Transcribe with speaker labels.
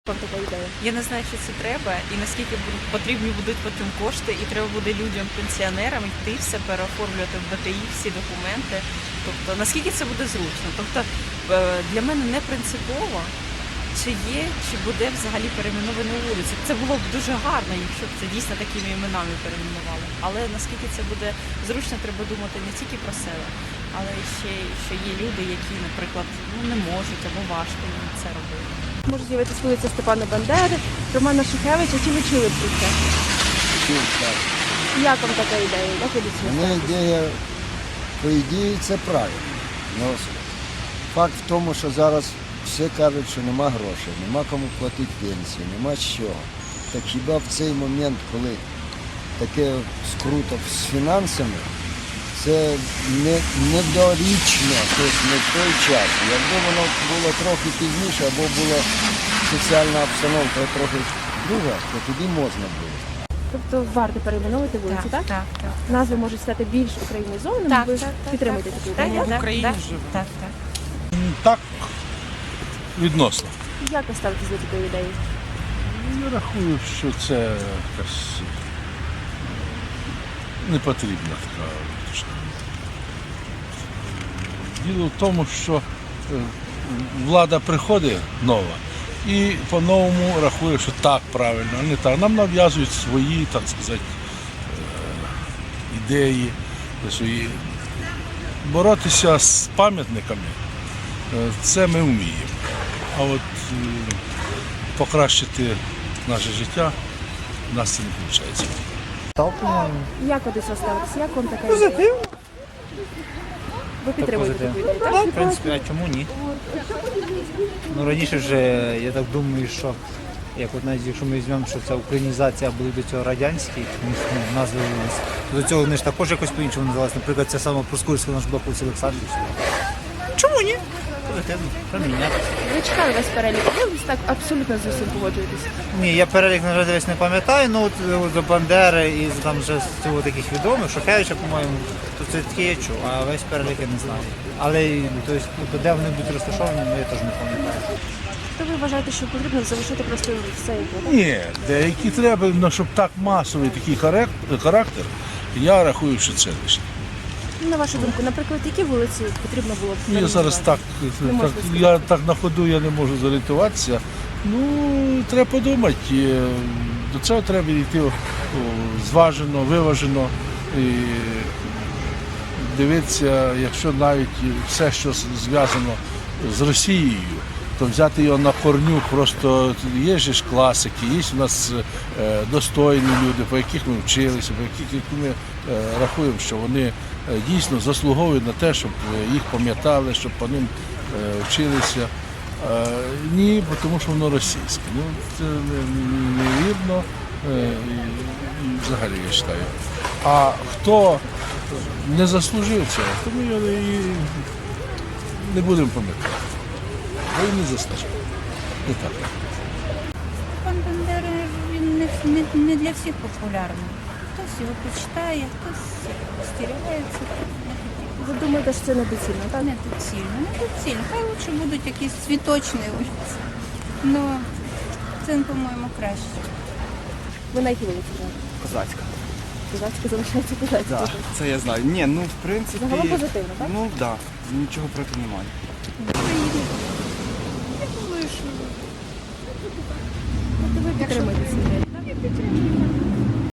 Speaker 1: Вам така ідея?
Speaker 2: Я не знаю, що це треба, і наскільки потрібні будуть потім кошти, і треба буде людям, пенсіонерам йти все переоформлювати в БТІ, всі документи. Тобто, наскільки це буде зручно. Тобто, для мене не принципово, чи є, чи буде взагалі перейменовані вулиці. Це було б дуже гарно, якщо б це дійсно такими іменами перейменували. Але наскільки це буде зручно, треба думати не тільки про себе, але ще, що є люди, які, наприклад, не можуть або важко їм це робити.
Speaker 1: Може з'явитися вулиця Степана Бандери, Романа Шухевича, чи ви чули про це?
Speaker 3: Чув, так.
Speaker 1: Як вам така ідея? Як ви до цього
Speaker 3: Мене
Speaker 1: ставитесь?
Speaker 3: ідея, по ідеї, це правильно. Ну, факт в тому, що зараз всі кажуть, що нема грошей, нема кому платити пенсію, нема з чого. Так хіба в цей момент, коли таке скруто з фінансами, це недорічно, тобто не в той час. Якби воно було трохи пізніше, або була соціальна обстановка трохи друга, то тоді можна було.
Speaker 1: Тобто варто перейменовувати вулиці, так?
Speaker 2: Так.
Speaker 1: Назви можуть стати більш українізованими,
Speaker 2: Так,
Speaker 1: ви
Speaker 2: так,
Speaker 1: підтримуєте таку ідею?
Speaker 2: В Україні живе. Так.
Speaker 4: Так, відносно.
Speaker 1: Як ви ставитесь до такої ідеї?
Speaker 4: Я рахую, що це якась непотрібна така річ. Діло в тому, що влада приходить нова і по-новому рахує, що так правильно, а не так. Нам нав'язують свої, так сказати, ідеї, свої. Боротися з пам'ятниками це ми вміємо. А от покращити наше життя у нас це не виходить.
Speaker 1: Як ви до цього ставитесь? Як вам така ідея? Позитивно. Ви підтримуєте таку ідею, так?
Speaker 5: В принципі, а чому ні? Ну, раніше вже, я так думаю, що як от навіть якщо ми візьмемо, що це українізація були до цього радянські назви вулиць, то до цього вони ж також якось по-іншому називалися. Наприклад, це саме Проскурська наш блок вулиці Олександрівська. Чому ні? Позитивно, проміняти.
Speaker 1: Ви читали весь перелік, ви так абсолютно з усім погоджуєтесь.
Speaker 5: Ні, я перелік, на жаль, весь не пам'ятаю, ну от до Бандери і там вже з цього таких відомих, Шухевича, по-моєму, то це таке я чув, а весь перелік я не знаю. Але тобто, де вони будуть розташовані, ну, я теж не пам'ятаю.
Speaker 1: То ви вважаєте, що потрібно залишити просто все як є, так?
Speaker 4: Ні, деякі треба, але щоб так масовий такий характер, я рахую, що це лише.
Speaker 1: На вашу думку, наприклад, які вулиці потрібно було б
Speaker 4: Я зараз так,
Speaker 1: Не можна
Speaker 4: я так на ходу я не можу зорієнтуватися. Ну, треба подумати. До цього треба йти зважено, виважено. І дивитися, якщо навіть все, що зв'язано з Росією, то взяти його на корню, просто є ж класики, є у нас достойні люди, по яких ми вчилися, по яких ми рахуємо, що вони дійсно заслуговують на те, щоб їх пам'ятали, щоб по ним вчилися. Ні, тому що воно російське. Ну, це невірно і взагалі я вважаю. А хто не заслужив цього, то ми його і не будемо пам'ятати. Бо він не заслужив. Не так.
Speaker 6: Пан Бандера, він не для всіх популярний. Хтось його почитає, хтось остерігається.
Speaker 1: Ви думаєте, що це недоцільно, так?
Speaker 6: Недоцільно. Хай лучше будуть якісь цвіточні вулиці. Ну, це, по-моєму, краще.
Speaker 1: Ви на якій вулиці живете?
Speaker 7: Козацька.
Speaker 1: Козацька залишається козацька.
Speaker 7: Так, це я знаю. Ні, ну в принципі.
Speaker 1: Загалом позитивно, так?
Speaker 7: Ну так, нічого проти немає.
Speaker 1: Тобто ви підтримуєте цю ідею, так?